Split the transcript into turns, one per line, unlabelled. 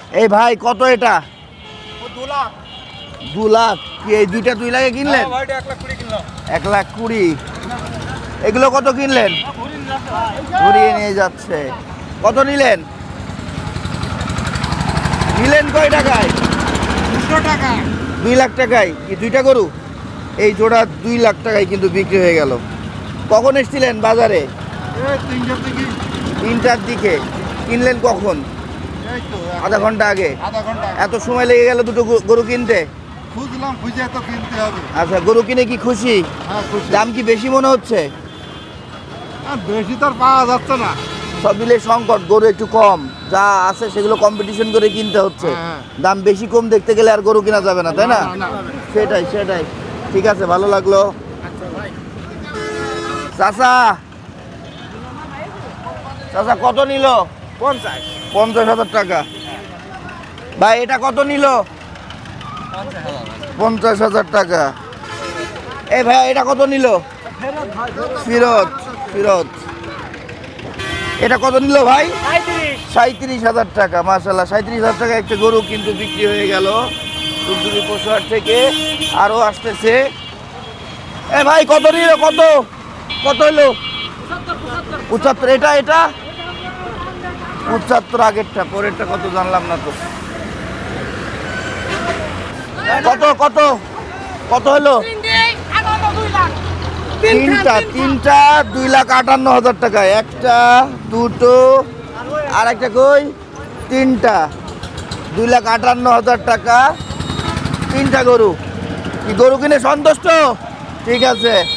এই ভাই কত এটা?
2 লাখ।
2 লাখ? কি এই দুইটা 2 লাখে কিনলেন?
ভাই 1,20,000 কিনলাম।
1,20,000। এগুলো কত কিনলেন? ঘুরিয়ে নিয়ে যাচ্ছে। কত নিলেন? নিলেন কয় টাকায়?
200 টাকা।
2 লাখ টাকায় কি দুইটা গরু? এই জোড়া 2 লাখ টাকায় কিন্তু বিক্রি হয়ে গেল। কখন এসেছিলেন বাজারে?
এই 3টার দিকে।
3টার দিকে। কিনলেন কখন?
এই তো
আধা ঘন্টা আগে।
আধা ঘন্টা।
এত সময় লেগে গেল দুটো গরু কিনতে?
খুঁজলাম, খুঁজে তো কিনতে হবে।
আচ্ছা, গরু কিনে কি খুশি?
হ্যাঁ খুশি।
দাম কি বেশি মনে হচ্ছে?
বেশি তো আর পাওয়া যাচ্ছে না।
সব মিলে সংকট, গরু একটু কম, যা আছে সেগুলো কম্পিটিশন করে কিনতে হচ্ছে।
হ্যাঁ।
দাম বেশি কম দেখতে গেলে আর গরু কিনা যাবে না, তাই না?
না।
সেটাই সেটাই। ঠিক আছে, ভালো লাগলো। চাচা, চাচা কত নিল? 50,000 টাকা। ভাই এটা কত নিল? 50,000 টাকা। এই ভাই এটা কত নিল? ফিরত ফিরত। এটা কত নিল ভাই? 37,000 টাকা। মাশাআল্লাহ, 37,000 টাকা একটা গরু কিন্তু বিক্রি হয়ে গেল দুধুরি পশুহাট থেকে। আরও আসতেছে। এ ভাই কত নিল? কত কত হলো? 75। এটা এটা 75। আগেরটা, পরেরটা কত জানলাম না তো। কত কত কত হলো? তিনটা 2,58,000 টাকা। একটা, দুটো, আর একটা কই? তিনটা। 2,58,000 টাকা। তিনটা গরু। কি গরু কিনে সন্তুষ্ট? ঠিক আছে।